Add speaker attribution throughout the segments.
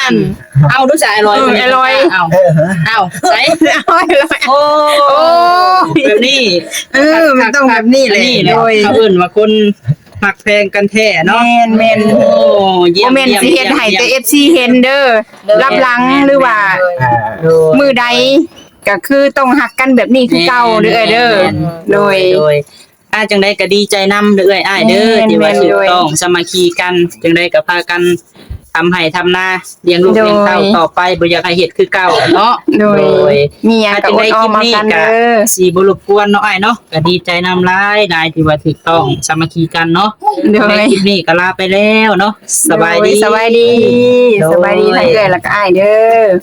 Speaker 1: นเอาดูสายลอยเอาใส่โอ้แบบนี้
Speaker 2: มันต้องแบบนี้เลย
Speaker 1: โดยเขาเอิ้นว่าคนหักแพงกันแท้เนาะ
Speaker 2: แม่น
Speaker 1: โอ้เยี่ยม
Speaker 2: แม่นสิเฮ็ดให้แต่ FC เห็นเด้อรับหลังหรือว่ามือใดก็คือต้องหักกันแบบนี้คือเก่าเด้อโดย
Speaker 1: จังได๋ก็ดีใจนำเด้ออ้ายเด้อที่ว่าถูกต้องสามัคคีกันจังได๋ก็พากันทำให้ทำนาเลี้ยงลูกเลี้ยงเต้าต่อไปบ่อยากให้เฮ็ดคือเก่าเนาะ
Speaker 2: โดยมีหยังก็อดออมมากันเด้อ
Speaker 1: สิบ่รบกวนเนาะอ้ายเนาะก็ดีใจนำหลายที่ว่าถูกต้องสามัคคีกันเนาะในคลิปนี้ก็ลาไปแล้วเนาะสบายดี
Speaker 2: ทั้งเอื้อยแล้วก็อ้ายเด้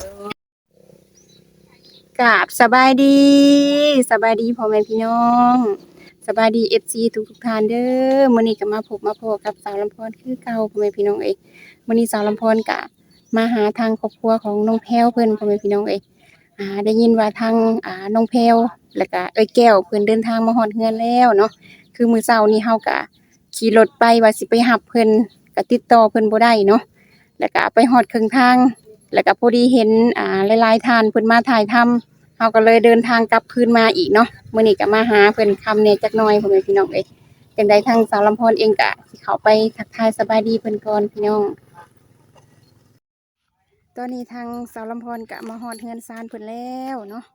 Speaker 2: อกราบสบายดีพ่อแม่พี่น้องสบายดี FC ทุกท่านเด้อมื้อนี้ก็มาพบกับสาวลำพรคือเก่าพ่อแม่พี่น้องเอ้ยมื้อนี้สาวลำพรก็มาหาทางครอบครัวของน้องแพรวเพิ่นพ่อแม่พี่น้องเอ้ยได้ยินว่าทางน้องแพรวแล้วก็เอ้ยแก้วเพิ่นเดินทางมาฮอดเฮือนแล้วเนาะคือมื้อเช้านี้เฮาก็ขี่รถไปว่าสิไปรับเพิ่นก็ติดต่อเพิ่นบ่ได้เนาะแล้วก็ไปฮอดครึ่งทางแล้วก็พอดีเห็นหลายๆท่านเพิ่นมาถ่ายทำเฮาก็เลยเดินทางกลับคืนมาอีกเนาะมื้อนี้ก็มาหาเพิ่นค่ำแน่จักหน่อยพ่อแม่พี่น้องเอ้ยจังได๋ทางสาวลำพรเองก็สิเข้าไปทักทายสบายดีเพิ่นก่อนพี่น้องตอนนี้ทางสาวลำพรก็มาฮอดเฮือนซานเพิ่นแล้วเนาะ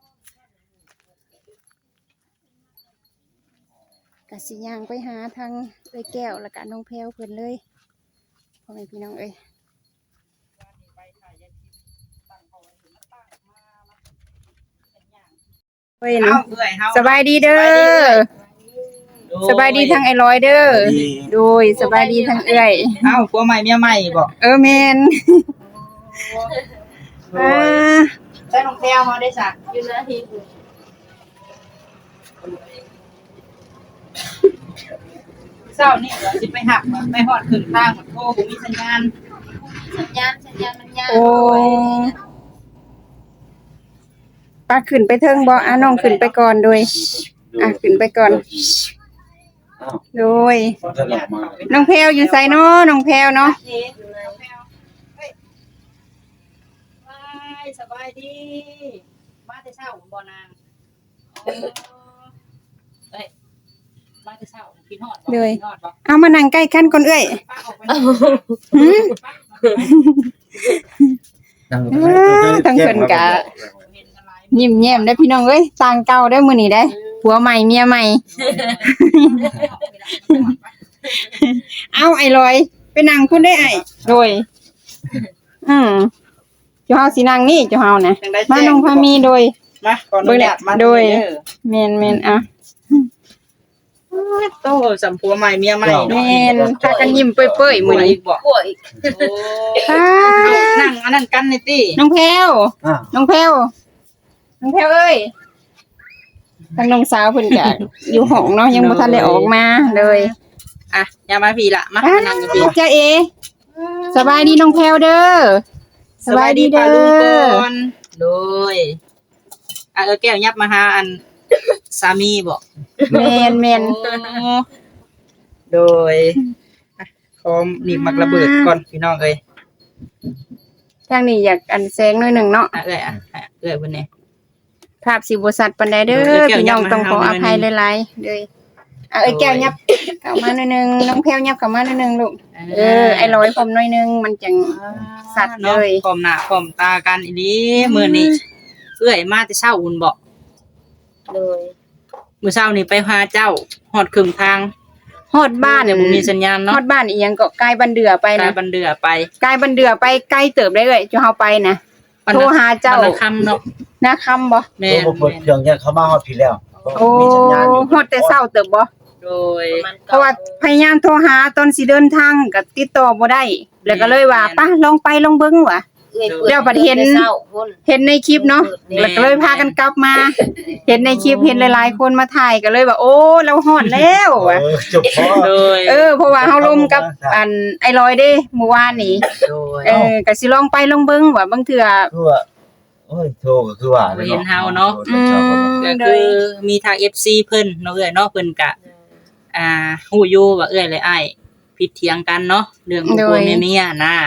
Speaker 2: ก็สิย่างไปหาทางเอ้ยแก้วแล้วก็น้องแพรวเพิ่นเลยพ่อแม่พี่น้องเอ้ยสบายดีเด้อสบายดีทางไอ้ร้อยเด้อโดยสบายดีทางเอื้อย
Speaker 1: ผัวใหม่เมียใหม่บ่
Speaker 2: แม่น
Speaker 1: ใช้น้องแพรวเฮาได้สักอยู่นาทีเช้านี่ว่าสิไปหักไปฮอดครึ่งทางโทรบ่มีสัญญาณมันยาก
Speaker 2: โอ้ป้าขึ้นไปเทิงบ่น้องขึ้นไปก่อนโดยขึ้นไปก่อนโดยน้องแพรวอยู่ไสเนาะน้องแพรวเนาะ
Speaker 1: สบายดีมาแต่เช้าบ่นางมาแต่เช้ากินฮอดบ่
Speaker 2: เลยเอามานั่งใกล้กันก่อนเอ้ยทั้งเพิ่นก็ยิ้มแย้มได้พี่น้องเอ้ยต่างเก่าได้มื้อนี้ได้ผัวใหม่เมียใหม่เอาไอ้ลอยไปนั่งพุ่นได้ไอ้โดยเจ้าเฮาสินั่งนี่เจ้าเฮานะมาน้องพามีโดย
Speaker 1: มาก่อนเบิ่งมา
Speaker 2: โดยแม่น
Speaker 1: โตสัมผัวใหม่เมียใหม่
Speaker 2: แม่นพากันยิ้มเปื่อยๆมื้อนี้
Speaker 1: ป่วยนั่งอันนั้นกันนี่ติ
Speaker 2: น้องแพรวเอ้ยทางน้องสาวเพิ่นก็อยู่ห้องเนาะยังบ่ทันได้ออกมาเลย
Speaker 1: อย่ามาพี่ละมานั่งอยู่พี่
Speaker 2: จ้าเอสบายดีน้องแพรวเด้อสบายดีเด้อ
Speaker 1: โดยแก้วยับมาหาอันสามีบ่
Speaker 2: แม่น
Speaker 1: โดยพร้อมนี่มักระเบิดก่อนพี่น้องเอ้ย
Speaker 2: ทางนี้อยากอันแสงหน่อยนึงเนาะ
Speaker 1: เอ้ยเพิ่นนี่
Speaker 2: ภาพสิบ่ชัดปานใดเด้อพี่น้องต้องขออภัยหลายๆเด้อเอ้ยแก้วยับเข้ามาหน่อยนึงน้องแพรวยับเข้ามาหน่อยนึงลูกไอ้ร้อยผมหน่อยนึงมันจังสัตว์เลย
Speaker 1: พร้อมหน้าพร้อมตากันอีหลีมื้อนี้เอ้ยมาแต่เช้าอุ่นบ่
Speaker 2: เลย
Speaker 1: มื้อเช้านี่ไปหาเจ้าฮอดครึ่งทาง
Speaker 2: ฮอดบ้าน
Speaker 1: เนี่ยบ่มีสัญญาณเนาะ
Speaker 2: ฮอดบ้านอีหยังก็ไกลบันเดือไปนะ
Speaker 1: ไกลบันเดือไป
Speaker 2: ไกลเติบได้เลยจะเฮาไปนะโทรหาเจ้า
Speaker 1: คำเนาะ
Speaker 2: นะคำบ่
Speaker 3: แม่นเพิ่นยังเข้ามาฮอดพี่แล้ว
Speaker 2: โอ้ฮอดแต่เช้าเติบบ่
Speaker 1: โดย
Speaker 2: เพราะว่าพยายามโทรหาตอนสิเดินทางก็ติดต่อบ่ได้แล้วก็เลยว่าป่ะลองไปลองเบิ่งว่ะเดี๋ยวบัดเห็นในคลิปเนาะแล้วก็เลยพากันกลับมาเห็นในคลิปเห็นหลายๆคนมาถ่ายก็เลยว่าโอ้เราฮอดแล้วว่ะเพราะว่าเฮาลมกับอันไอ้ลอยเด้เมื่อวานนี้ก็สิลองไปลองเบิ่งว่าบางเทื่อ
Speaker 3: โอ้ยโทรก็คือว่า
Speaker 1: เห็นเฮาเนาะก็คือมีทาง FC เพิ่นเนาะเอ้ยเนาะเพิ่นก็ฮู้อยู่ว่าเอ้ยและอ้ายผิดเถียงกันเนาะเรื่องผัวเมียนะ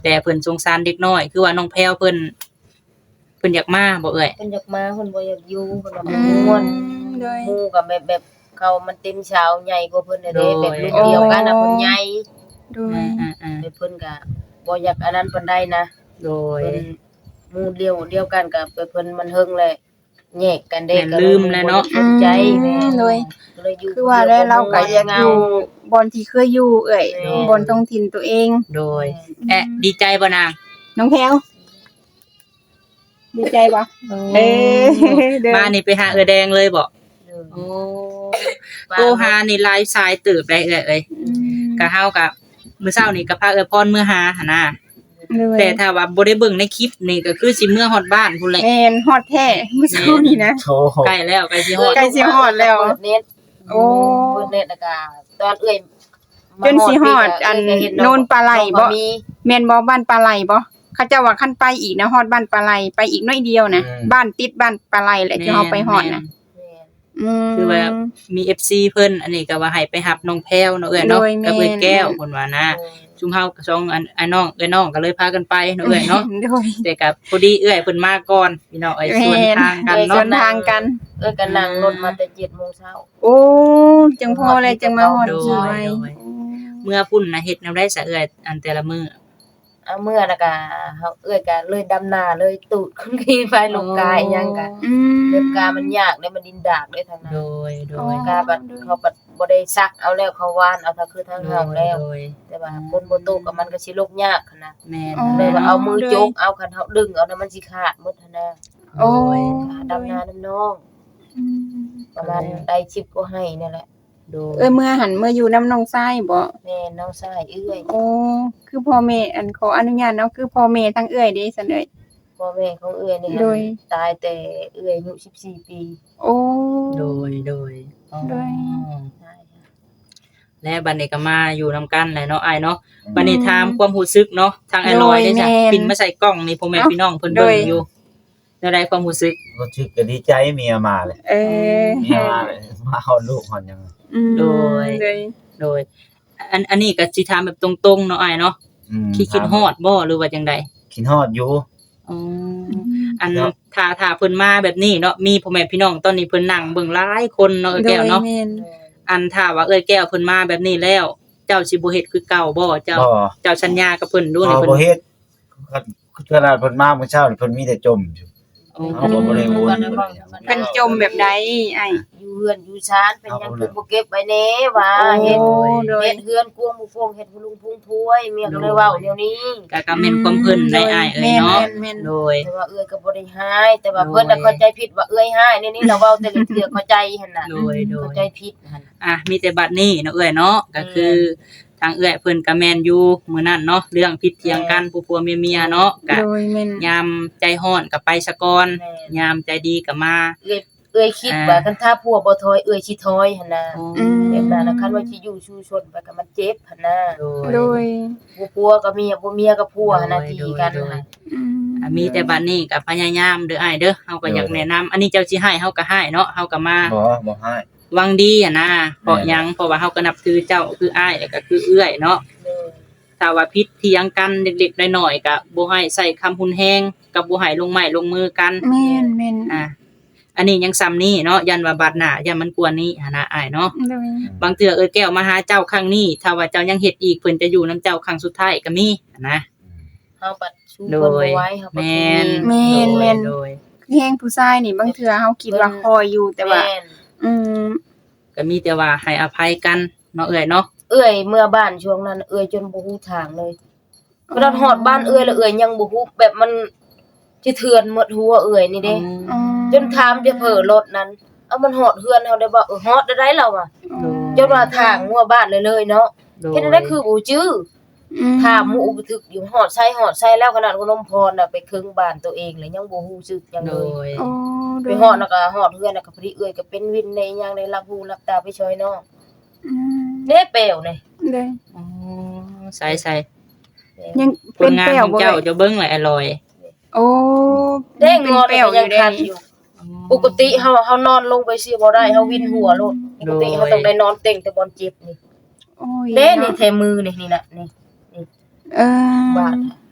Speaker 1: แต่เพิ่นสงสารเด็กน้อยคือว่าน้องแพรวเพิ่นอยากมาบ่เอ่ย
Speaker 4: เพิ่นอยากมาเพิ่นบ่อยากอยู่เพิ่นว่า
Speaker 2: อื
Speaker 4: มัน
Speaker 2: ม
Speaker 4: ม่วน
Speaker 2: โดย
Speaker 4: หมู่ก็แบบเขามันเต็มชาวใหญ่กว่าเพิ่นน่ะเด้แบบรุ่นเดียวกันน่ะเพิ่นใหญ่
Speaker 2: โดย
Speaker 4: เพิ่นก็บ่อยากอันนั้นปานใดนะ
Speaker 1: โดย
Speaker 4: เพิ่นหมู่เดียวกันกับเพิ่นมันเฮิงแหละแยกกันเด้
Speaker 1: แม่นลืมแล้วเนาะ
Speaker 4: สนใจแม่
Speaker 2: โดย
Speaker 4: ก็เลยอยู่
Speaker 2: คือว่าได้เราก็อยากอยู่บอนที่เคยอยู่เอ้ย
Speaker 4: แม่
Speaker 2: บอนท้องถิ่นตัวเอง
Speaker 1: โดยดีใจบ่นาง
Speaker 2: น้องแพรวดีใจบ่เด้อ
Speaker 1: มานี่ไปหาแดงเลยบ่
Speaker 4: เออ
Speaker 1: โอ้โทรหานี่ไลฟ์สายเติบได้เอ้ยก็เฮาก็มื้อเช้านี่ก็พาพรมื้อหาหั่นน่ะ แต่ถ้าว่าบ่ได้เบิ่งในคลิปนี่ก็คือสิเมื่อฮอดบ้านพุ่นแหละ
Speaker 2: แม่นฮอดแท้เมื่อสักครู่นี้นะ
Speaker 3: โทร
Speaker 1: ใกล้แล้วใกล้สิฮอด
Speaker 2: ใกล้สิฮอดแล้ว
Speaker 4: เปิดเน็ต
Speaker 2: โอ้
Speaker 4: เปิดเน็ตแล้วก็ตอนเอ้ย
Speaker 2: จนสิฮอดอันโนนปลาไหลบ่
Speaker 4: มี
Speaker 2: แม่นบ่บ้านปลาไหลบ่เขาเจ้าว่าคันไปอีกนะฮอดบ้านปลาไหลไปอีกน้อยเดียวนะบ้านติดบ้านปลาไหลแหละที่เฮาไปฮอดน่ะ
Speaker 4: แม่น
Speaker 1: คือว่ามี FC เพิ่นอันนี้ก็ว่าให้ไปรับน้องแพรวเนาะเอ้ยเนาะ
Speaker 2: โดยแม่น
Speaker 1: กับเอ้ยแก้วเพิ่นว่านะชุมเฮาก็สองอันน้องก็เลยพากันไปเนาะเอ้ยเนาะ
Speaker 2: โดย
Speaker 1: แต่ก็พอดีเอ้ยเพิ่นมาก่อนพี่น้องเอ้ยส่วนทางกัน
Speaker 2: ส่
Speaker 1: เนาะ
Speaker 2: วนทางกัน
Speaker 4: เอ้ยก็นั่งรถมาแต่7:00 นเช้า
Speaker 2: โอ้จังพอเลยจังมาฮอดที่ไว้
Speaker 1: เมื่อพุ่นน่ะเฮ็ดแนวได้ซะเอ้ยอันแต่ละมื้อ
Speaker 4: เอาเมื่อแล้วก็เฮาเอ้ยก็เลยดำนาเลยตูดคนขี่ไปลงกายหยังก็
Speaker 2: อืม
Speaker 4: เรื่องกามันยากเลยมันดินดากเลยทางนั้น
Speaker 1: โดย
Speaker 4: กาบัดเขาบัดบ่ได้ซักเอาแล้วเขาวานเอาถ้าคือทางเฮาแล้ว
Speaker 1: โดย
Speaker 4: แต่ว่าคนบ่โตกับมันก็สิลกยากหั้นนะ
Speaker 1: แม่น
Speaker 4: เลยว่าเอามือจกเอาคันเฮาดึงเอาแล้วมันสิขาดหมดหั้นนะ
Speaker 2: โอ้
Speaker 4: ค่ะดำนาน้ำน้อง
Speaker 2: อืม
Speaker 4: ประมาณได้10ก็ให้นี่แหละ
Speaker 1: โดย
Speaker 2: เมื่อหันเมื่ออยู่น้ำน้องทรายบ่
Speaker 4: แม่น้องชายเอื้อย
Speaker 2: โอ้คือพ่อแม่อันขออนุญาตเนาะคือพ่อแม่ทั้งเอื้อยเด้ซั่นเอ้ย
Speaker 4: พ่อแม่ของเอื้อยนี่
Speaker 2: โดย
Speaker 4: ตายแต่เอื้อยอายุ14 ปี
Speaker 2: โอ้
Speaker 1: โดยอ๋อ
Speaker 2: โดย
Speaker 4: ใช่ค่ะ
Speaker 1: และบัดนี้ก็มาอยู่นํกันแหละเนาะอ้ายเนาะบัดนี้ถามความรู้สึกเนาะทางไอ้ลอยได้จ้ะปิ่นมาใส่กล้องนี่พ่อแม่พี่น้องเพิ่นเบิ่งอยู่ได้ได้ความรู้สึก
Speaker 3: ก็ชื่อก็ดีใจเมียมาเลย
Speaker 2: เออ
Speaker 3: เมียมาเลยมาเอาลูกหอนยัง
Speaker 2: อืม
Speaker 1: โดย โดยอันนี้ก็สิถามแบบตรงๆเนาะอ้ายเนาะคิดฮอดบ่หรือว่าจังได
Speaker 3: คิดฮอดอยู่
Speaker 1: อ๋ออันถ้าเพิ่นมาแบบนี้เนาะมีพ่อแม่พี่น้องตอนนี้เพิ่นนั่งเบิ่งหลายคนเนาะเอ้ยแก้วเนาะ
Speaker 2: โดยแม่น
Speaker 1: อันถ้าว่าเอ้ยแก้วเพิ่นมาแบบนี้แล้ว เจ้าสิบ่เฮ็ดคือเก่าบ่เจ้า
Speaker 3: บ่
Speaker 1: เจ้าสัญญากับเพิ่นดูนี่
Speaker 3: บ่
Speaker 1: เพิ่น
Speaker 3: บ่เฮ็ดขนาดเพิ่นมาเมื่อเช้านี่เพิ่นมีแต่จมอยู่
Speaker 1: อ๋อ
Speaker 3: เอาบ่ได้โอน
Speaker 2: เป็นจมแบบใดไอ้
Speaker 4: อยู่เฮือนอยู่ชานเป็นหยังคือบ่เก็บไว้แน่ว่าเฮ็ด
Speaker 2: โดย
Speaker 4: เฮ็ดเฮือนกวงหมู่ฟงเฮ็ดผู้ลุงพุ่งพวยเมียก็เลยเว้าเดี๋ยวนี้
Speaker 1: ก็แม่นความเพิ่นได้อ้ายเอ้ยเนาะ
Speaker 2: แม่น
Speaker 1: โดย
Speaker 4: แต่ว่าเอื้อยก็บ่ได้หายแต่ว่าเพิ่นน่ะเข้าใจผิดว่าเอื้อยหายนี่เราเว้าแต่ละเทื่อเข้าใจหั่นน่ะ
Speaker 1: โดย
Speaker 4: เข้าใจผิดหั่น
Speaker 1: มีแต่บัดนี้เนาะเอ้ยเนาะก็คือทางเอ้ยเพิ่นก็แม่นอยู่มื้อนั้นเนาะเรื่องผิดเถียงกันผัวๆเมียๆเนาะก็
Speaker 2: โดยแม่น
Speaker 1: ยามใจร้อนก็ไปซะก่อนยามใจดีก็มา
Speaker 4: เอื้อยคิดว่าคันถ้าผัวบ่ถอยเอื้อยสิถอยหั่นน่ะ
Speaker 2: อืม
Speaker 4: แบบนั้นน่ะคันว่าสิอยู่ชูชนไปก็มันเจ็บหั่นน่ะ
Speaker 2: โดย
Speaker 4: ผัวก็เมียบ่เมียก็ผัวหั่นน่ะตีกันหั่น
Speaker 2: อืม
Speaker 1: มีแต่บัดนี้ก็พยายามเด้ออ้ายเด้อเฮาก็อยากแนะนำอันนี้เจ้าสิให้เฮาก็ให้เนาะเฮาก็มา
Speaker 3: บ่ให้
Speaker 1: หวังดีอะนะเพราะหยังเพราะว่าเฮาก็นับถือเจ้าคืออ้ายแล้วก็คือเอื้อยเนาะ
Speaker 4: เด้อ
Speaker 1: ถ้าว่าผิดเถียงกันเล็กๆน้อยๆก็บ่ให้ใส่คำหุนแฮงกับบ่ให้ลงไม้ลงมือกัน
Speaker 2: แม่นแม่น
Speaker 1: อันนี้ยังซ้ำนี้เนาะยันว่าบาดหน้ายันมันกวนนี้หันนะอ้ายเนาะ
Speaker 2: โดย
Speaker 1: บางเทื่อแก้วมาหาเจ้าครั้งนี้ถ้าว่าเจ้ายังเฮ็ดอีกเพิ่นจะอยู่นํเจ้าครั้งสุดท้ายก็มีนะ
Speaker 4: เฮาบัดชูเพิ่นบ่ไหว้เฮาบัด
Speaker 1: แม่น
Speaker 2: แม่น
Speaker 1: โดย
Speaker 2: แฮงผู้ชายนี่บางเทื่อเฮาคิดว่าคอยอยู่แต่ว่า
Speaker 4: ม่น
Speaker 2: อืม
Speaker 1: ก็มีแต่ว่าให้อภัยกันเนาะเอ้ยเนาะ
Speaker 4: เอื้อยเมื่อบ้านช่วงนั้นเอื้อยจนบ่ฮู้ทางเลยกระดานฮอดบ้านเอื้อยแล้วเอื้อยยังบ่ฮู้แบบมันสิเถื่อนหมดหัวเอื้อยนี่เด้
Speaker 2: อืม
Speaker 4: จนถามจะเผลอรถนั้นเอามันฮอดเฮือนเฮาได้บ่ฮอดได้เราอ่ะจนว่าทางหัวบ้านเลยเนาะ
Speaker 1: โดย
Speaker 4: เฮ็ดได้คือบ่จื้อ ถามหมู่อุปถึกอยู่หอดไส้แล้วขนาดขนมพรน่ะไปครึ่งบ้านตัวเองเลยยังบ่ฮู้สึกหยัง
Speaker 1: โด
Speaker 4: เลย
Speaker 1: ย
Speaker 2: โอ้โด
Speaker 4: ไป
Speaker 2: ย
Speaker 4: หอดแล้วก็หอดเฮือนน่ะก็พอดีเอื้อยก็เป็นวินในหยังได้รับรู้รับตาไปช่วยน้อง
Speaker 2: อืม
Speaker 4: เด้เปลวนี่
Speaker 2: โดย
Speaker 1: อ๋อใส่
Speaker 2: ยัง
Speaker 1: ผ
Speaker 2: เป็
Speaker 1: ล
Speaker 2: น
Speaker 1: งาน
Speaker 2: แป้
Speaker 1: ข
Speaker 2: ว
Speaker 1: อง
Speaker 2: บ่
Speaker 1: เจ้า
Speaker 2: เอ่ย
Speaker 1: จะเบิ่งเลยอร่อย
Speaker 2: โอ้
Speaker 4: เด้งอ
Speaker 2: เป็น
Speaker 4: ก็
Speaker 2: แป้วอ
Speaker 4: ยัง
Speaker 2: ยู่เด้
Speaker 4: คันอยู่ปกติเฮานอนลงไปสิบ่ได้เฮาวินหัวโลดปกติเฮาต้องได้นอนเต็งแต่บอนเจ็บนี่
Speaker 2: โอ้ย
Speaker 4: เด้นี่แทมือนี่น่ะนี่
Speaker 2: เออบ
Speaker 4: าด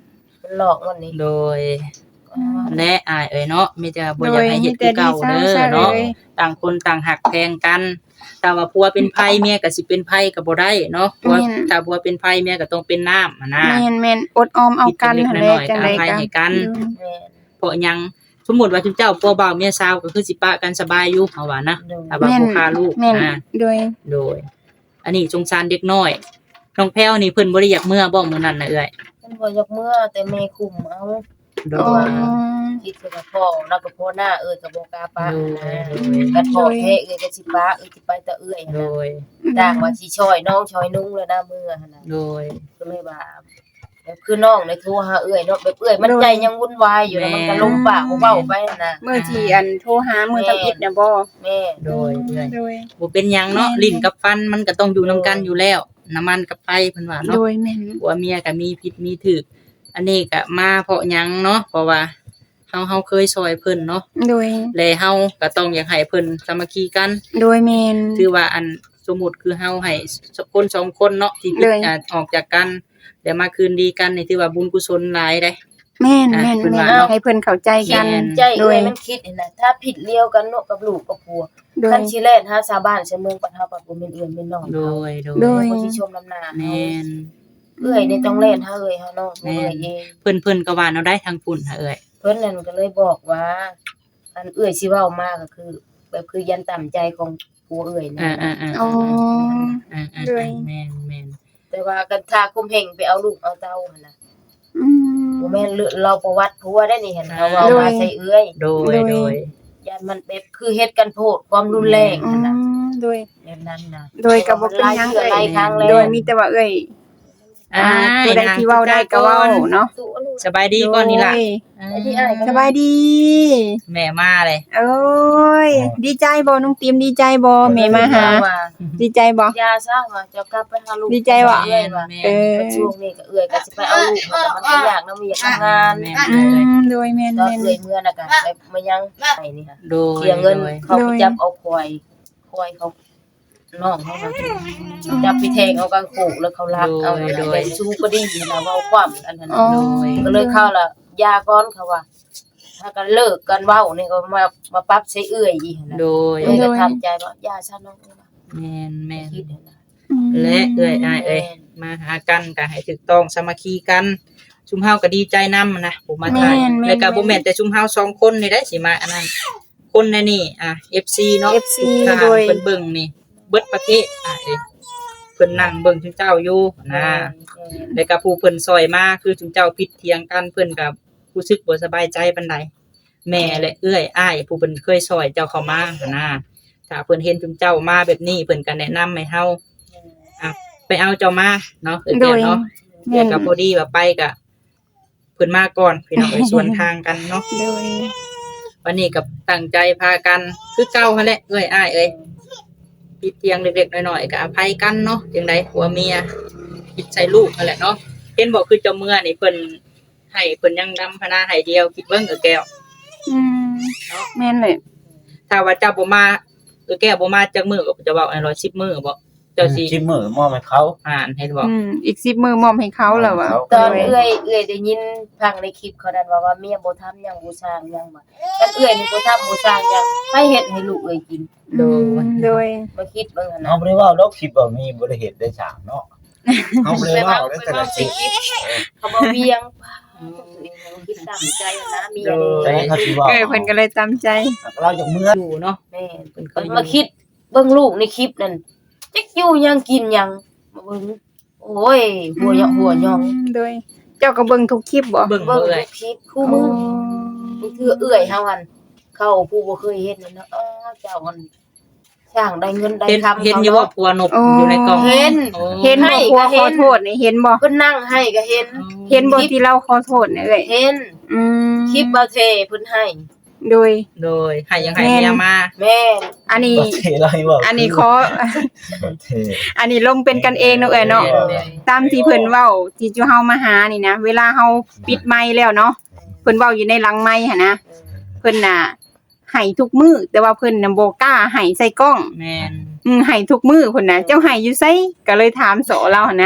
Speaker 4: มันหลอกมันนี่
Speaker 1: โดยและอ้ายเอ้ยเนาะมีแต่บ่อยากให้เฮ็ดคือเก่าเด้อเนาะต่างคนต่างหักแพงกันถ้าว่าผัวเป็นไผเมียก็สิเป็นไผก็บ่ได้เนาะผัวถ้าผัวเป็นไผเมียก็ต้องเป็นน้ำนะ
Speaker 2: แม่นๆอดออมเอากันหั่นแหละจังได๋
Speaker 1: ให้
Speaker 2: ก็
Speaker 1: ให้กัน
Speaker 4: แม่น
Speaker 1: เพราะหยังสมมุติว่าเจ้าผัวบ่าวเมียสาวก็คือสิปะกันสบายอยู่เฮาว่านะถ้าว่าบ่ฆ่าลูก
Speaker 2: แม่น
Speaker 1: นะ
Speaker 2: โดย
Speaker 1: โดย อันนี้สงสารเด็กน้อยน้องแพ้วนี่เพิ่นบ่ได้อยากเมื่อบ่มื้อนั้นน่ะเอ้ย
Speaker 4: มันบ่อยากเมื่อแต่แม่คุมเอา
Speaker 1: โด
Speaker 2: อ๋อย
Speaker 4: คิดกับพ่อแล้วก็พ่อหน้าก็บ่กล้าปะ
Speaker 1: โดย
Speaker 4: กันพ่อแท้ก็สิปะสิไปแต่
Speaker 1: โด
Speaker 4: หั่นน่ะ
Speaker 1: ย
Speaker 4: ต่างว่าสิช่วยน้องช่วยนุ่งแล้วนะมื้อหั่นน่ะ
Speaker 1: โดย
Speaker 4: ก็เลยว่าแบบคือน้องในโทรหาเนาะแบบมันใจยังวุ่นวายอยู่แล้วมันก็ลงปากเว้าไปหั่นน่ะ
Speaker 2: มื้อที่อันโทรหามื้อทำอิฐน่ะบ่
Speaker 4: แม่
Speaker 1: โดยเอ้ย
Speaker 2: โดย
Speaker 1: บ่เป็นหยังเนาะลิ้นกับฟันมันก็ต้องอยู่นํกันอยู่แล้วน้ำมันกับไฟเพิ่นว่า
Speaker 2: โด
Speaker 1: เนาะ
Speaker 2: ยแม่น
Speaker 1: ผัวเมียก็มีผิดมีถูกอันนี้ก็มาเพราะหยังเนาะเพราะว่าเฮาเคยช่วยเพิ่นเนาะ
Speaker 2: โดย
Speaker 1: และเฮาก็ต้องอยากให้เพิ่นสามัคคีกัน
Speaker 2: โดยแม่น
Speaker 1: ถือว่าอันสมมุติคือเฮาให้คนสองคนเนาะที่
Speaker 2: เลย
Speaker 1: ออกจากกันแล้วมาคืนดีกันนี่ถือว่าบุญกุศลหลายเด้
Speaker 2: แม่น
Speaker 1: อ่ะ
Speaker 2: แม่น
Speaker 1: เพิ่น
Speaker 2: แม่
Speaker 1: ว่าน เนาะ
Speaker 2: ให้เพิ่นเข้าใจกัน
Speaker 1: แม่น
Speaker 4: ใจ
Speaker 2: โดย
Speaker 4: มันคิดหั่นน่ะถ้าผิดเลี้ยวกันเนาะกับลูกกับผัว
Speaker 2: โดย
Speaker 4: คันสิแล่นหาชาวบ้านชาวเมืองปัดเฮาปัดบ่แม่นเป็นน้อง
Speaker 1: โด
Speaker 4: เฮาย
Speaker 1: โด
Speaker 2: โด
Speaker 1: ย
Speaker 2: ย
Speaker 4: คนที่ชมน้ำหน้า
Speaker 1: แม่น
Speaker 4: นี่ต้องเล่นหาหาน้องเอง
Speaker 1: เพิ่นก็ว่าเอาได้ทางปุ่นหาเอ้ย
Speaker 4: เพิ่นนั่นก็เลยบอกว่า อันสิเว้ามาก็คือ แบบคือยันต่ำใจของผัวนะ
Speaker 2: อ๋อ โดย
Speaker 1: แม่น
Speaker 4: แต่ว่ากันทาคุมเพ่งไปเอาลูกเอาเต้าหั่นน่ะ
Speaker 2: อืม
Speaker 4: บ่แม่นเราประวัติผัวได้นี่เห็นเขาเว้ามาใส่เอื้อย
Speaker 1: โดยโดย
Speaker 4: ยันมันแบบคือเฮ็ดกันโพดความรุนแรง
Speaker 2: อื
Speaker 4: หั่นน่ะ
Speaker 2: มโดย
Speaker 4: แบบนั้นน่ะ
Speaker 2: โดยก็บ่เป็นหยัง
Speaker 4: หลายครั้งแล้ว
Speaker 2: โดยมีแต่ว่าเอ้ย
Speaker 1: อ่า
Speaker 2: ตัวใดที่เว้าได้ก็เว้าเนาะ
Speaker 4: สู้ลูก
Speaker 1: สบายดีก่อนนี่ล่ะ
Speaker 2: โดย
Speaker 4: ไอ้ที่อ้ายก็
Speaker 2: สบายดี
Speaker 1: แม่มาเลย
Speaker 2: โอ้ย ดีใจบ่น้องติมดีใจบ่แม่มาหา
Speaker 4: ว่า
Speaker 2: ดีใจบ่
Speaker 4: ยาซะว่าจะกลับไปหาลูก
Speaker 2: ดีใจว่ะ
Speaker 4: เอื้อยว่า
Speaker 2: เออ
Speaker 4: ช่วงนี้ก็เอื้อยก็สิไปเอาลูกมาแต่มันก็ยากนะมีอยากทำงาน
Speaker 1: แม่
Speaker 2: อืมโดยแม่น
Speaker 4: ก็
Speaker 2: แม่น
Speaker 4: เอื้อยเมื่อน่ะก็ไปมายังไปนี่ค่ะ
Speaker 1: โดย
Speaker 4: เสียเงิน
Speaker 1: โดย
Speaker 4: เขาไปจับเอาควายเขาน้องเขามาจับไปแทงเอากางโขกแล้วเขาลักเอาไปสู้ก็ดีนะเว้าความอันนั้น
Speaker 2: อ๋อ
Speaker 4: ก็เลยเข้าละยาก้อนเขาว่า ถ้ากันเลิกกันเว้านี่ก็มาปรับใช้เอื้อยอีกนะ
Speaker 1: โดย
Speaker 4: เอื้อยก็ทำใจว่ายาซะน้องนี่ว่า
Speaker 1: แม่น
Speaker 4: คิดนะ
Speaker 2: อืม
Speaker 1: และเอ้ยอ้ายเอ้ยมาหากันก็ให้ถูกต้องสามัคคีกันชุมเฮาก็ดีใจนํนะผมมาถ่ายแล้วก็บ่แม่นแต่ชุมเฮา2คนนี่ได้สิมาอันนั้นคนในนี่FC เนาะ
Speaker 2: FC
Speaker 1: ทุกทาง
Speaker 2: โดย
Speaker 1: เพิ่นเบิ่งนี่เบิดประเทศเอ้ยเพิ่นนั่งเบิ่งชุมเจ้าอยู่นะแล้วก็ผู้เพิ่นซอยมาคือชุมเจ้าผิดเถียงกันเพิ่นก็รู้สึกบ่สบายใจปานใดแม่และเอื้อยอ้ายผู้เพิ่นเคยซอยเจ้าเข้ามานะถ้าเพิ่นเห็นชุมเจ้ามาแบบนี้เพิ่นก็แนะนำให้เฮาไปเอาเจ้ามาเนาะเอ้ย
Speaker 2: โดย
Speaker 1: เนาะ
Speaker 2: แม่
Speaker 1: เดี๋ย
Speaker 2: น
Speaker 1: วก็พอดีว่าไปก็เพิ่นมาก่อนพี่น้องเอ้ย ส่วนทางกันเนาะ
Speaker 2: โดย
Speaker 1: วันนี้ก็ตั้งใจพากันคือเก่าหั่นแหละเอ้ยอ้ายเอ้ยผิดเพียงเล็กๆน้อยๆก็อภัยกันเนาะจังไดผัวเมียผิดใส่ลูกนั่นแหละเนาะเห็นบอกคือเจ้าเมื่อนี่เพิ่นให้เพิ่นยังดำพนาให้เดียวคิดเบิ่งแก้ว
Speaker 2: อืมแม่นเลย
Speaker 1: ถ้าว่าเจ้าบ่มาแก้วบ่มาจักมื้อก็จะเว้าให้110มื้อบ่เจ้าสิ
Speaker 3: ชิมมือมอบให้เขา
Speaker 1: ให้บอก
Speaker 2: อีก10มื้อมอบให้เขาแล้วว่ะ
Speaker 4: ตอนเอื้อยได้ยินฟังในคลิปเขานั้นว่าเมียบ่ทำหยังบ่สร้างหยังบ่คันเอื้อยนี่บ่ทำบ่สร้างหยังให้เฮ็ดให้ลูกเอื้อยกิน
Speaker 2: โดย
Speaker 4: มาคิดเบิ่งหั่น
Speaker 3: เฮา
Speaker 4: น่ะ
Speaker 3: บ่ได้เว้าดอกคลิปว่ามีบ่ได้เฮ็ดได้ฉากเนาะเฮาบ่ได้เว้าได้แต่ละคลิป
Speaker 4: เขาบ่เวียงคิดตามใจนะเมีย
Speaker 3: แต่
Speaker 4: นี่
Speaker 3: เขาสิเว้า
Speaker 2: เพิ่นก็เลยตามใจ
Speaker 3: เราจากเมื่อ
Speaker 1: อยู่เนาะ
Speaker 4: แม่เพิ่นมาคิดเบิ่งลูกในคลิปนั่นจักอยู่หยังกินหยังมาเบิ่งโอ้ยหัวหยอง
Speaker 2: โดย เจ้าก็เบิ่งทุกคลิปบ่
Speaker 1: เบิ่ง
Speaker 4: เบิ่ง
Speaker 1: เอ้ย
Speaker 4: คลิปคู่มือนี่คือเอื้อยเฮาหั่นเข้าผู้บ่เคยเฮ็ดนั่นเนาะเจ้าหั่นสร้างได้เงินได้คำ
Speaker 1: เห็นอยู่ว่าผัวนบอยู่ในกล่อง
Speaker 4: เห็น
Speaker 1: โอ้
Speaker 2: เห็นบ่ครัวขอโทษนี่เห็นบ่
Speaker 4: เพิ่นนั่งให้ก็เห็น
Speaker 2: เห็นบ่ที่เราขอโทษนี่เอ้ย
Speaker 4: เห็น
Speaker 2: อืม
Speaker 4: คลิปบ่เทเพิ่นให้
Speaker 2: โดย
Speaker 1: โดยให้ยังให้เมียมา
Speaker 4: แม่
Speaker 2: อันนี้
Speaker 3: ประเทศเราให้เว้า
Speaker 2: อันนี้ขอ
Speaker 3: ประเทศ
Speaker 2: อันนี้ลงเป็นกันเองเนาะเอ้ยเนาะ ตามที่เพิ่นเว้าที่จูเฮามาหานี่นะเวลาเฮาปิดไมค์แล้วเนาะเพิ่นเว้าอยู่ในหลังไมค์หั่นนะเพิ่นน่ะให้ทุกมื้อแต่ว่าเพิ่นน่ะบ่กล้าให้ใส่กล้อง
Speaker 1: แม่น
Speaker 2: ให้ทุกมื้อเพิ่นน่ะเจ้าให้อยู่ไสก็เลยถามโสเราหั่นนะ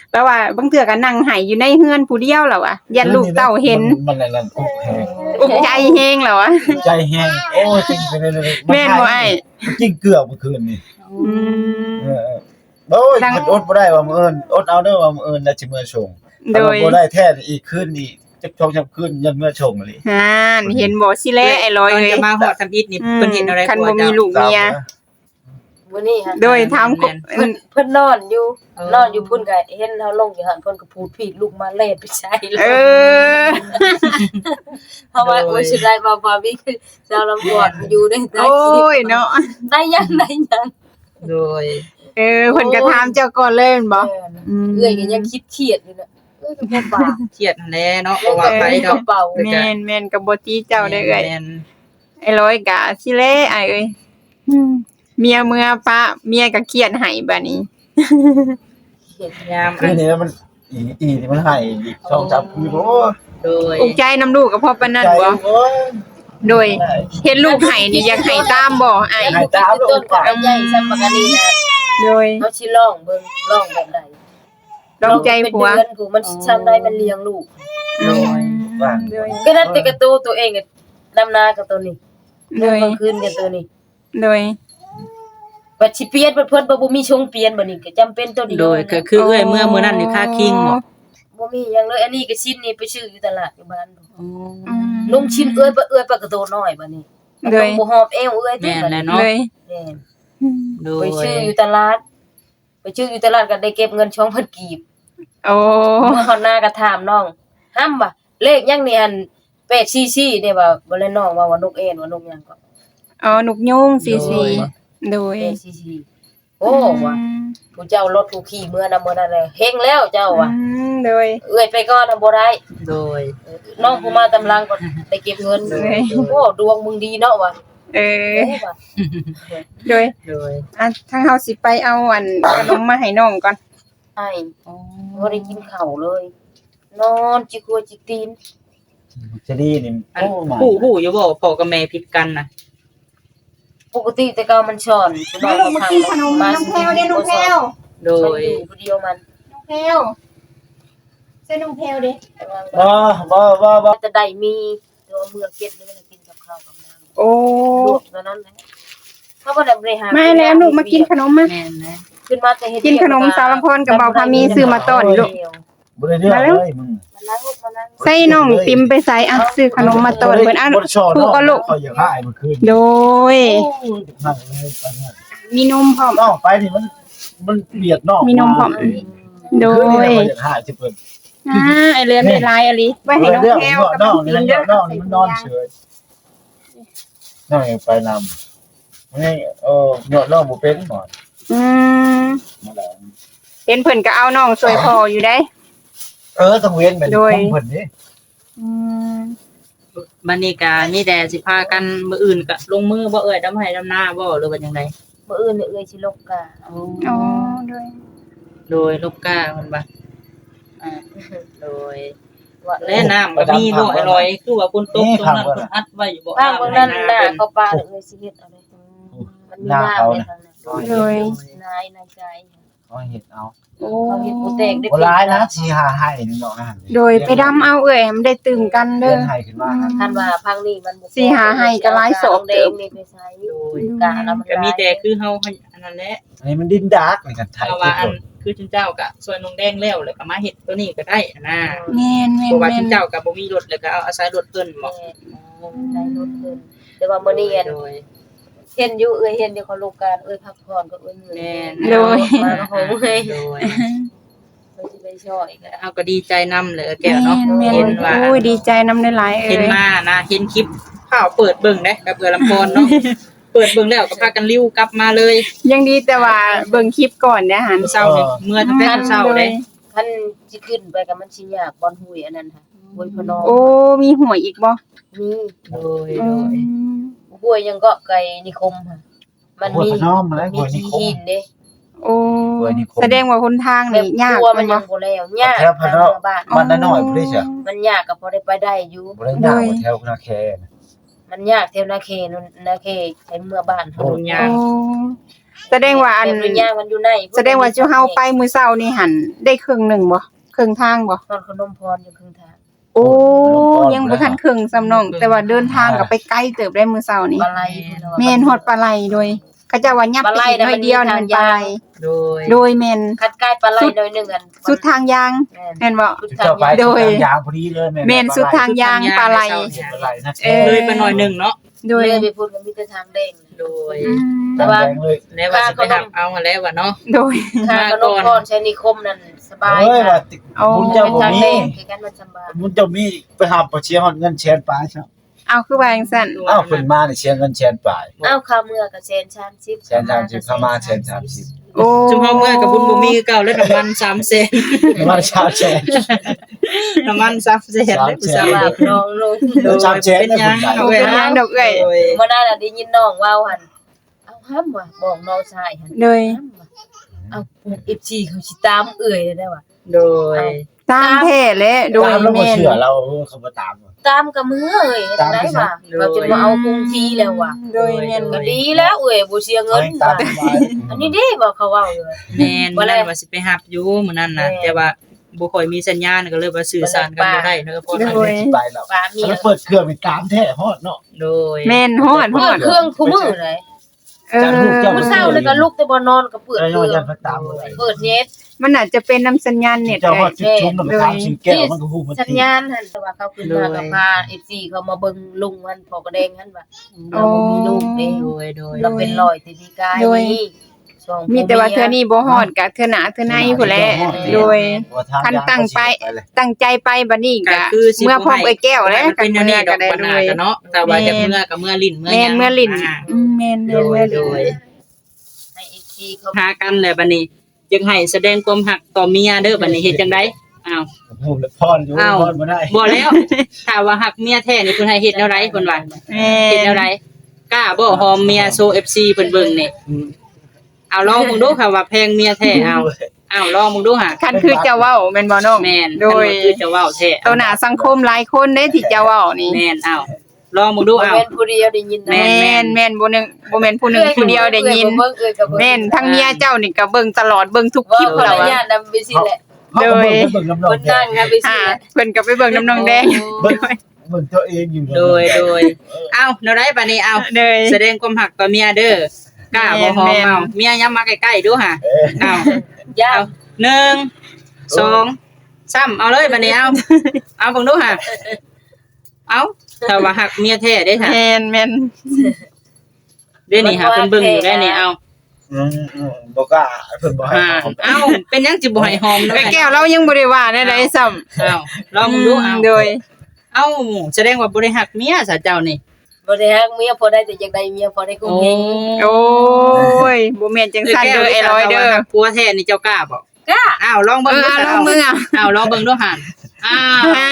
Speaker 2: แปลว่าบางเทื่อก็นั่งไห้อยู่ในเฮือนผู้เดียวแล้วอะยันลูกเต้าเห็น
Speaker 3: มันอะไรนั่นอุกแฮง
Speaker 2: อุกใจแฮงแล้วอะ
Speaker 3: ใจแฮงโอ้จริงไปเลย
Speaker 2: แม่นบ่อ้าย
Speaker 3: จริงเกือบเมื่อคืนนี่
Speaker 2: อืม
Speaker 3: โอ้ยอดบ่ได้ว่ามื้ออื่นอดเอาเด้อว่ามื้ออื่นแล้วสิมื้อส่ง
Speaker 2: โดย
Speaker 3: บ่ได้แท้อีกคืนนี่จักช่องจักคืนยันมื้อส่งเลย
Speaker 2: ฮ่านเห็นบ่สิแลไอ้ลอย
Speaker 1: ตอน
Speaker 2: เอ้ย
Speaker 1: จะมาฮอดทำอิฐนี่เพิ่นเห็นอะไร
Speaker 2: คัน
Speaker 1: กลัว
Speaker 2: บ่มี
Speaker 1: เจ้า
Speaker 2: ลูกเมีย
Speaker 4: มื้อนี้ฮะ
Speaker 2: โดยถาม
Speaker 1: แม่น
Speaker 4: เพิ่นนอนอยู่นอนอยู่พุ่นก็เห็นเฮาลงอยู่หั่นเพิ่นก็พูดผิดลูกมาเล่นไปใช้เล
Speaker 2: เอย อ
Speaker 4: เพราะว่าโอ้ยสิได้บ่มีคือเจ้าลำบวดอยู่ได้
Speaker 2: โอ้ยเนาะ
Speaker 4: ได้ยัง
Speaker 1: โดย
Speaker 2: เพิ่นก็ถามเจ้าก่อนเลยแม่นบ่อืม
Speaker 4: เอ้ยก็ยังคิดเครียดอยู่น่ะเอ้ยก็บ่ปาก
Speaker 1: เครียดนั่นแหละเนาะบ่ว่าไปดอก
Speaker 4: เบา
Speaker 2: แม่นก็บ่ตีเจ้าได้เอ้ย
Speaker 1: แม่น
Speaker 2: ไอ้ลอยก็สิแลไอ้เอ้ยเมียเมื่อปะเมียก็เครียดให้บัดนี้
Speaker 4: เครียด
Speaker 1: ยาม
Speaker 3: คืนนี้มันอีนี่มันให้อีกช่องจับคือโอ้
Speaker 1: โดย
Speaker 2: อุกใจน้ำลูกก็เพราะปานนั้น
Speaker 3: ใจ
Speaker 2: บ่
Speaker 3: โอ้ย
Speaker 2: โดยเห็นลูกให้นี่อยากให้ตามบ่อ้าย
Speaker 3: ให้ตาม
Speaker 4: ต้นก็ใหญ่ซ้ำปากอันนี้นะ
Speaker 2: โดย
Speaker 4: เฮาสิลองเบิ่งลองแบบใด
Speaker 2: ลองใจผัว
Speaker 4: เป็นเดือนผู้มันซ้ำได้มันเลี้ยงลูก
Speaker 2: โดยโดย
Speaker 4: ก็นั่นแต่กระตูตัวเองก็ดำนากับตัวนี้
Speaker 2: โดย
Speaker 4: กลางคืนกับตัวนี้
Speaker 2: โดย
Speaker 4: บัดสิเปลี่ยนเพิ่นบ่มีชงเปลี่ยนบัดนี้ก็จำเป็นตัวเดียว
Speaker 1: โดยก็คือเอ้อยเมื่อมื้อนั้นนี่ค่าคิงบ่
Speaker 4: บ่มีหยังเลยอันนี้ก็ชิ้นนี้ไปซื้ออยู่ตลาดอยู่บ้าน
Speaker 2: อืม
Speaker 4: ลุงชิ้นเอ้ยปากกระโตน้อยบัดนี้
Speaker 2: โดย
Speaker 4: บ่หอบเอวเอ้ย
Speaker 1: แม่นแหละ
Speaker 2: โด
Speaker 1: เนาะ
Speaker 2: ย
Speaker 4: แม่น
Speaker 1: โด
Speaker 4: ไป
Speaker 1: ย
Speaker 4: ซื้ออยู่ตลาด ไปซื้ออยู่ตลาดก็ได้เก็บเงิน2,000กีบ
Speaker 2: โอ้
Speaker 4: เมื่อฮอดหน้าก็ถามน้องห้ำบ่เลขยังนี่อัน844เนี่ยว่าบ่เลยน้องว่านกเอ็นว่านกหยังก็
Speaker 2: อ๋อหนุกยุง44โดย
Speaker 4: 844โอ้ว่ะผู้เจ้ารถผู้ขี่เมื่อนำมื้อนั้นเลยเฮงแล้วเจ้าว่ะ
Speaker 2: โดย
Speaker 4: เอื้อยไปก่อนน่ะบ่ได้
Speaker 1: โดย
Speaker 4: น้องผู้มาตำลังก็ไปเก็บเงิน
Speaker 2: เอ้ย
Speaker 4: โอ้ดวงมึงดีเนาะว่ะ
Speaker 2: เออ
Speaker 4: โอ้ว่ะ
Speaker 2: โดย
Speaker 1: โดย
Speaker 2: ทางเฮาสิไปเอาอันขนมมาให้น้องก่อน
Speaker 4: ไอ้บ่ได้กินข้าวเลย นอนจิกหัวจิกตีน
Speaker 3: จะดีนี่
Speaker 1: อัน
Speaker 3: โอ้มา
Speaker 1: ผู้อยู่บ่พ่อกับแม่ผิดกันน่ะ
Speaker 4: ปกติแต่เก่ามันสอนผู้น้องมาสิ
Speaker 2: น้องแพรว
Speaker 1: โด
Speaker 4: มัน
Speaker 1: ย
Speaker 4: อยู่ผู้เดียวมัน
Speaker 2: น้องแพรวใส่น้องแพรวดิ
Speaker 4: แต่ว่า
Speaker 3: บ่
Speaker 4: จะได้มีตัวเมืองเก็ดนี่มันกินกับข้าวกับน้ำ
Speaker 2: โอ้
Speaker 4: ลวกเท่านั้นแหละเขาบ่ได้บริหาร
Speaker 2: มาแล้วลูกมากินขนมมา
Speaker 1: แม่นนะ
Speaker 4: ขึ้นมาแต่เฮ็ด
Speaker 2: กินขนมสารพรกับเบาพามีซื้อมาต้อนลูก
Speaker 3: บ่ได้เรื่องเลยมึง
Speaker 4: มานั่งลูกมานั่ง
Speaker 2: ใส่น้องติมไปใส่อ่ะซื้อขนมมาต้อนเพิ่นอ่ะ
Speaker 3: บ่ได้ชอบ
Speaker 2: ถูกก็ลูก
Speaker 3: เขาอยากให้มันคืน
Speaker 2: โดย
Speaker 3: นั่งเลยไปเนี่ย
Speaker 2: มีนมพร้อม
Speaker 3: น้องไปนี่มันเบียดน้อง
Speaker 2: มีนมพร้อม โด
Speaker 3: คืนนี้เขาอยากให้สิเพิ่น
Speaker 2: ไอเรือนได้ลายอะไรไว้ให้น้องแพรวกับ
Speaker 3: น้
Speaker 2: น้
Speaker 3: อ
Speaker 2: อง ง
Speaker 3: นี่
Speaker 2: ติมเด้อ
Speaker 3: น้องนี่มันนอนเฉยน้องไปนำนี่น้องบ่เป็นหมอ
Speaker 2: อืม
Speaker 3: มาแล้ว
Speaker 2: เห็นเพิ่นก็เอาน้องสวยพออยู่ได้
Speaker 3: ต้องเว้นเป็นของเพิ่นนี่
Speaker 2: อืม
Speaker 1: บัดนี้ก็มีแต่สิพากันมื้ออื่นก็ลงมือบ่เอ้อยดำให้ดำหน้าบ่หรือว่าจังได
Speaker 4: มื้ออื่นเนี่ยเอ้ยสิลกกา
Speaker 2: อ๋อโดย
Speaker 1: โดยลูกก้าเพิ่นว่าโดย
Speaker 4: ว่า
Speaker 1: และน้ำก็มีบ่อร่อยคือว่าฝนตกตรงนั้นเพิ่นอัดไว้อยู่บ่
Speaker 4: บ้างเบิ่งนั้นหน้าเขาปลาเอ้ยสิเฮ็ดเอาได้มันมีน้ำในทางนั้น
Speaker 2: โดย
Speaker 4: นายนายใจ
Speaker 3: เขาเฮ็ดเอา
Speaker 2: โอ้
Speaker 4: เขาเฮ็ดบ่แตกได้
Speaker 3: บ่ร้ายนะสิหาให้นี่เนาะ
Speaker 2: โดยไปดำเอาเอ่ยมันได้ตื่มกัน
Speaker 3: เดิ
Speaker 2: เด้อ
Speaker 3: นให้ขึ้นมา
Speaker 4: คันว่าพังนี่มันบ่
Speaker 2: สิหาให้ก็หลายศพ
Speaker 4: เด้งนี่ไปใช้
Speaker 1: โดย
Speaker 4: กาแล้วมัน
Speaker 1: ก็มีแต่คือเฮาอันนั้นแหละ
Speaker 3: อันนี้มันดินดาร์กนี่กันไทย
Speaker 1: เพราะว่าอันคือจุนเจ้าก็ซอยนงแดงแล้วแล้วก็มาเฮ็ดตัวนี้ก็ได้นะ
Speaker 2: แม่นแม่
Speaker 1: เพ
Speaker 2: น
Speaker 1: ราะว่า
Speaker 2: แม่
Speaker 1: จุ
Speaker 2: น
Speaker 1: นเจ้าก็บ่มีรถแล้วก็เอาอาศัยรถเพิ่นบ่
Speaker 4: ได้ลดเพิ่นแต่ว่ามื้อนี้อัน
Speaker 1: โดย
Speaker 4: เห็นอยู่เห็นอยู่เขาลูกการพักผ่อนก็เหนื่อย
Speaker 1: แม่น
Speaker 2: โดย
Speaker 4: มาโหงเฮ้ย
Speaker 1: โดย
Speaker 4: มันสิไปช่วยก็
Speaker 1: เฮาก็ดีใจนํเลยแก้วเนาะ
Speaker 2: แม่น
Speaker 1: เห็นว่า
Speaker 2: โอ้ยดีใจนำได้หลายเอ่
Speaker 1: เห็น
Speaker 2: ย
Speaker 1: มานะเห็นคลิปข่าวเปิดเบิ่งเด้กับเอือลำพรเนาะ เปิดเบิ่งแล้วก็พากันลิ้วกลับมาเลย
Speaker 2: ยังดีแต่ว่าเบิ่งคลิปก่อนเด้อหัน
Speaker 1: เช้านี่เมื่อตั้งแต่เช้าเด้
Speaker 4: คันสิขึ้นไปก็มันสิยากบอนหุยอันนั้นค่ะหุยพนอ
Speaker 2: โอ้มีหวยอีกบ่
Speaker 4: มี
Speaker 1: โดย
Speaker 2: อื
Speaker 1: โดย
Speaker 2: ม
Speaker 4: หุยยังก็ไก่นิคมค่ะมันมี
Speaker 3: น้อมแล้ว
Speaker 4: มี
Speaker 3: หัวนี่
Speaker 4: ขี้
Speaker 3: คม
Speaker 4: หินเด้
Speaker 2: โอ้
Speaker 3: หวยนิคม
Speaker 2: แสดงว่าคนทางนี่ยาก
Speaker 4: กลัวมั
Speaker 2: แม่
Speaker 4: น
Speaker 2: น
Speaker 4: ยั
Speaker 2: บ่
Speaker 4: งบ่แล้วยาก
Speaker 3: แถวพะเนาะ
Speaker 4: บ้าน
Speaker 3: มันน้อยๆพุ่นเด้อ
Speaker 4: มันยากก็พอได้ไปได้อยู่
Speaker 3: บ่ได้ยากกว่าแถวนาแค
Speaker 4: มันยากเท่านาเขนนาเขใช้เมื่อบ้าน
Speaker 1: โอ้
Speaker 4: เฮา
Speaker 1: ยาก
Speaker 2: โอ้แสดงว่าอัน
Speaker 4: แต่ย่างมันอยู่ใน
Speaker 2: แสดงว่าเจ้าเฮาไปมื้อเช้านี่หันได้ครึ่งหนึงบ่ครึ่งทางบ่
Speaker 4: ตอนขนมพรอยู่ครึ่งทาง
Speaker 2: โอ้ยังบ่ทันครึ่งซ้ำน้องแต่ว่าเดินทางก็ไปไกลเติบได้มื้อเช้านี่
Speaker 4: ปลาไหล
Speaker 2: แม่นฮอดปลาไหลโดยเขาเจ้าว่ายับไปอีกหน่อยเดียวนั่นมันปลาไหล
Speaker 1: โดย
Speaker 2: โดยแม่น
Speaker 4: คัดใกล้ปลาไหลหน่อยนึงอัน
Speaker 2: สุดทางยางแม่นบ่
Speaker 4: สุด
Speaker 3: เจ้าไป
Speaker 2: โดย
Speaker 3: ยางพอดีเลย
Speaker 2: แม่นสุดทางยางปลาไหล
Speaker 3: ปลาไหลนะ
Speaker 1: เลยไปหน่อยหนึงเนาะ
Speaker 2: โดย
Speaker 4: เลยไปพูดกันมีแต่ทางแดง
Speaker 1: โดย
Speaker 2: อืม
Speaker 4: แต่ว่า
Speaker 3: เลย
Speaker 1: แล้วว่าสิไปหับเอามาแล้วว่าเนาะ
Speaker 2: โดย
Speaker 4: ทางขนมพรใช้นิคมนั่นสบาย
Speaker 3: เฮ้ย
Speaker 4: ค่ะ
Speaker 3: ว่า
Speaker 2: เอา
Speaker 3: คุณ
Speaker 4: เป็
Speaker 3: เจ้าน บ่
Speaker 4: ทาง
Speaker 3: มี
Speaker 4: แดงคือกันมันสบาย
Speaker 3: คุณเจ้ามีไปหาบ่เชียร์ฮอดเงินแสนปลายครับ
Speaker 2: เอาคือว่าจังซั่น
Speaker 3: อ้าวเพิ่นมานี่เชียร์เงินแสนปลาย
Speaker 4: อ้าวข้าวเมื่อกับเชนชามชิป
Speaker 3: แสน30เข้ามาแสน30
Speaker 2: โอ้
Speaker 1: จุมเฮาเมื่อกับบุญบ่มีคือเก่าแล้วน้ำมัน3แสน
Speaker 3: มาชาแสน
Speaker 1: น้ำมัน3แสนเลยผู้สาว
Speaker 4: ว่าน้องลง
Speaker 1: โดย
Speaker 3: เป็นหยัง
Speaker 2: เอาไปล้างดอกเอ้ย
Speaker 1: โดย
Speaker 4: เมื่อนั้นน่ะได้ยินน้องว่าหั่นเอาห้ำว่ะบอกน้องชายหั่น
Speaker 2: โดย
Speaker 4: ห้ำว่ะเอาFC เขาสิตามเอื้อยได้ว่ะ
Speaker 1: โดย
Speaker 2: ตามแท้และโดย
Speaker 3: ตามแล้วบ่
Speaker 2: แม่น
Speaker 3: เชื่อเราเขาบ่ตาม
Speaker 4: ตามกับมือเอ้ยจังได๋ว่ะเราจะมาเอาคงทีแล้วว่ะ
Speaker 2: โดยแม่น
Speaker 4: ก็ดีแล้วเอ้ยบ่เสียเงิน
Speaker 3: ตา
Speaker 4: ว่ะ
Speaker 3: มสบาย
Speaker 4: อันนี้ดีบ่เขาเว้าอยู่
Speaker 1: แม่นมื้อนั้นว่าสิไปหับอยู่มื้อนั้นน่ะ
Speaker 4: แม่น
Speaker 1: แต่ว่าบ่ค่อยมีสัญญาณก็เลยว่าสื่อสารกันบ่ได้เนาะพ่อ
Speaker 2: โดย
Speaker 3: ไปแล้ว
Speaker 4: ป้าเมีย
Speaker 3: แล้วเปิดเครื่องไปตามแท้ฮอดเนาะ
Speaker 1: โดย
Speaker 2: แม่นฮอดฮ
Speaker 4: เปิ
Speaker 2: อ
Speaker 4: ด
Speaker 2: ด
Speaker 4: เครื่องคู่มือเลย
Speaker 2: เออ
Speaker 4: มื้อเช้านี่ก็ลุกแต่บ่นอนก็เปิด
Speaker 3: แล้ว
Speaker 4: เครื่อง
Speaker 3: ยังก็ตามบ่ได้
Speaker 4: เปิดเน็ต
Speaker 2: มันอาจจะเป็นน้ำสัญญาณเน็ต
Speaker 3: เจ้า
Speaker 2: ไง
Speaker 3: ฮอดจุดชุมแล้วก็ตามชื่อแก้วมันก็ฮู้มัน
Speaker 4: สัญญาณหั่นแต่ว่าเขาขึ้นมากับพา FC เขามาเบิ่งลุงมันพอกระแดงหั่นว่าเราบ่มีลูกเด้
Speaker 1: โดยโดย
Speaker 4: เราเป็นรอยติดกายนี่ช่วง
Speaker 2: มีแต่ว่าเทื่อนี้บ่ฮอดกะเทื่อหน้าเทื่อในพุ่นแหละโดย คันตั้งไป ตั้งใจไปบัดนี้
Speaker 1: ก็
Speaker 2: กะ
Speaker 1: คือสิ
Speaker 2: เมื่อพร้อมไอ้แก้วแล้ว
Speaker 1: เป็นอันนี้ด
Speaker 2: ก็
Speaker 1: อก
Speaker 2: ได้
Speaker 1: ปัญ
Speaker 2: โด
Speaker 1: หาย กันเนาะแต่ว่าจะเมื่อกับเมื่อลิ้นเมื่อ
Speaker 2: แม่นเมื่อลิ้น
Speaker 1: อ่า
Speaker 2: แม่น
Speaker 1: โด
Speaker 2: แม่น
Speaker 1: ย
Speaker 2: เมื่อ
Speaker 1: โด
Speaker 2: ลิ้น
Speaker 1: ย
Speaker 4: ให้ FC เขา
Speaker 1: หากันแหละบัดนี้จึงให้แสดงความหักต่อเมียเด้อบัดนี้เฮ็ดจังได๋อ้าว
Speaker 3: ฮู้แล้วพรอยู่
Speaker 1: อ้าว
Speaker 3: พรบ่ได้
Speaker 1: บ่แล้วถ้าว่าหักเมียแท้นี่เพิ่นให้เฮ็ดแนวใดเพิ่นว่า
Speaker 2: แม่
Speaker 1: เฮ็ดแนวใดกล้าบ่หอมเมียโซ FC เพิ่นเบิ่งนี่เอาลองมึงดูค่ะว่าแพงเมียแท้เอาลองมึงดูหะ
Speaker 2: คันคือจะเว้าแม่นบ่น้อง
Speaker 1: แม่น
Speaker 2: โดย
Speaker 1: คันว่าคือจะเว้าแท้
Speaker 2: ต่อหน้าสังคมหลายคนเด้ที่จะเว้านี่
Speaker 1: แม่นเอาลองมึงดู
Speaker 4: บ่
Speaker 1: เอา
Speaker 4: แม่นผู้เดียวได้ยินนะ
Speaker 1: แม่
Speaker 2: แม่นบ่นึงบ่แม่นผู้หนึงผู้เดียวได้ยิน
Speaker 4: เบิ่งเอ้ยก็เบิ่ง
Speaker 2: แม่นทั้งเมียเจ้านี่ก็เบิ่งตลอดเบิ่งทุกค
Speaker 4: ว่า
Speaker 2: ลิป
Speaker 4: คน
Speaker 2: แล้ว
Speaker 4: ละ
Speaker 2: อะ
Speaker 4: ญาตินำไปสิแหละ
Speaker 3: เขาก็เบิ่งน้ำนอ
Speaker 4: ค
Speaker 3: ง
Speaker 4: นนั่งกันไปสิ
Speaker 2: อ่า
Speaker 4: แหละ
Speaker 2: เพิ่นก็ไปเบิ่งน้ำนองแดง
Speaker 3: เบิ่งตัวเองอยู่
Speaker 1: โดยเอาแนวใดบัดนี้เอา
Speaker 2: เลย
Speaker 1: แสดงความหักต่อเมียเด้อกล้าบ่หอมเอาเมียย้ำมาใกล้ๆดูหะเอา
Speaker 4: ญา
Speaker 1: เอา
Speaker 4: ติ
Speaker 1: 1 2 3เอาเลยบัดนี้เอาเบิ่งดูหะเอาถ้าว่าหักเมียแท้เด้ค่ะ
Speaker 2: แม่น
Speaker 1: เด้นี่หาเพิ่นเบิ่งอยู่ได้นี่เอา
Speaker 3: บ่กล้าเพิ่นบ่ให้
Speaker 1: เอาเป็นหยังจิบ่ให้หอม
Speaker 2: ไอ้แก้วเรายังบ่ได้ว่าได้ใดซ้ำ
Speaker 1: เอาลองมึงดูเอา
Speaker 2: โดย
Speaker 1: เอาแสดงว่าบ่ได้หักเมียซะเจ้านี่
Speaker 4: บ่ได้ฮักเมียพอได้แต่อยากได้เมียพอได้คงเฮง
Speaker 2: โอ้ยบ่แม่นจังซั่นเด้อไอ้ร้อยเด้อ
Speaker 1: ผัวแท้นี่เจ้ากล้าบ่
Speaker 4: กล้า
Speaker 1: อ้าวลองเบิ่งดู
Speaker 2: ลองมืออ่ะ
Speaker 1: อ้าวลองเบิ่งดูหั่นอ้าว
Speaker 2: อ่าน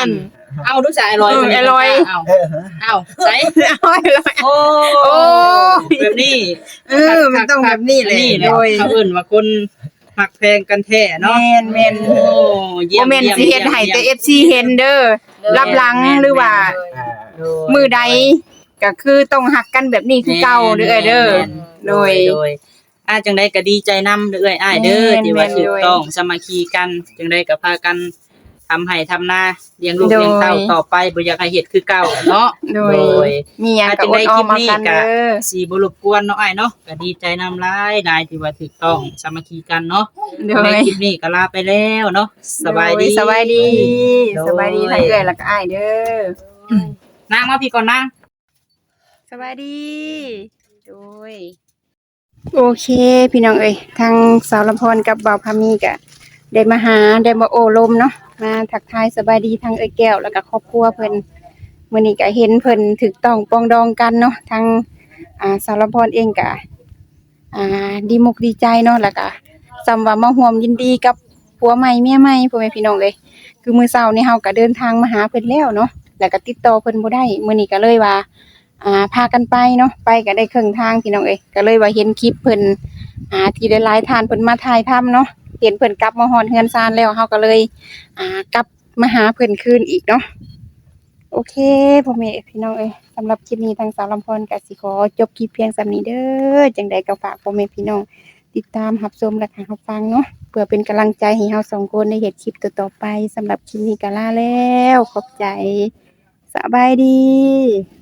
Speaker 1: เอาดูสายลอย
Speaker 2: ไอ้ลอย
Speaker 1: อ้าวอ้าวใส่
Speaker 2: เอาไอ้ร้อย
Speaker 1: โอ้
Speaker 2: โอ้
Speaker 1: แบบนี้
Speaker 2: มันต้องแบบนี้แหละ
Speaker 1: นี่แห
Speaker 2: โด
Speaker 1: ละ
Speaker 2: ย
Speaker 1: เขาเอิ้นว่าคนหักแพงกันแท้เนาะ
Speaker 2: แม่น
Speaker 1: โอ้เยี่ย
Speaker 2: บ่
Speaker 1: ม
Speaker 2: แม่นสิเฮ็ดให้แต่ FC เห็นเด้อรับหลังหรือว่า มือใดก็คือต้องหักกันแบบนี้คือเก่าเด้อเด้อ โดย
Speaker 1: จังได๋ก็ดีใจนำเด้ออ้ายเด้อ
Speaker 2: แม่น
Speaker 1: ที่ว่า
Speaker 2: แม่น
Speaker 1: ถูก
Speaker 2: ด้วย
Speaker 1: ต้องสามัคคีกันจังได๋ก็พากันทำให้ทำนาเลี้ยงลูก
Speaker 2: โดย
Speaker 1: เลี้ยงเต้าต่อไปบ่อยากให้เฮ็ดคือเก่าเนาะ
Speaker 2: โดยมีหยังก็อดออมมากันเด้อ
Speaker 1: สิบ่รบกวนเนาะอ้ายเนาะก็ดีใจนำหลายที่ว่าถูกต้องสามัคคีกันเนาะ
Speaker 2: โด
Speaker 1: ใน
Speaker 2: ย
Speaker 1: คลิปนี้ก็ลาไปแล้วเนาะสบายดี
Speaker 2: สบายดี
Speaker 1: โดย
Speaker 2: สบายดีทั้งเอื้อยแล้วก็อ้ายเด้อ
Speaker 1: นางมาพี่ก่อนนาง
Speaker 2: สบายดี โดย โอเค พี่น้องเอ้ยทางสาวลำพรกับบ่าวพามีก็ได้มาหาได้มาโอ้ลมเนาะมาทักทายสบายดีทางเอ้ยแก้วแล้วก็ครอบครัวเพิ่นมื้อนี้ก็เห็นเพิ่นถูกต้องปรองดองกันเนาะทางสาวลำพรเองก็ดีมุกดีใจเนาะแล้วก็สำว่ามาร่วมยินดีกับผัวใหม่เมียใหม่พ่อแม่พี่น้องเอ้ยคือมื้อเช้านี้เฮาก็เดินทางมาหาเพิ่นแล้วเนาะแล้วก็ติดต่อเพิ่นบ่ได้มื้อนี้ก็เลยว่า พากันไปเนาะไปก็ได้ครึ่งทางพี่น้องเอ้ยก็เลยว่าเห็นคลิปเพิ่นที่ได้หลายทานเพิ่นมาถ่ายทำเนาะเห็นเพิ่นกลับมาฮอดเฮือนซานแล้วเฮาก็เลยกลับมาหาเพิ่นคืนอีกเนาะโออเคพ่อแม่พี่น้องเอ้ยสำหรับคลิปนี้ทางสาวลำพรก็สิขอจบคลิปเพียงส่ำนี้เด้อจังใดก็ฝากพ่อแม่พี่น้องติดตามรับชมและรับฟังเนาะเพื่อเป็นกำลังใจให้เราสองคนในเฮ็ดคลิปต่อๆไปสำหรับคลิปนี้ก็ลาแล้วขอบใจสบายดี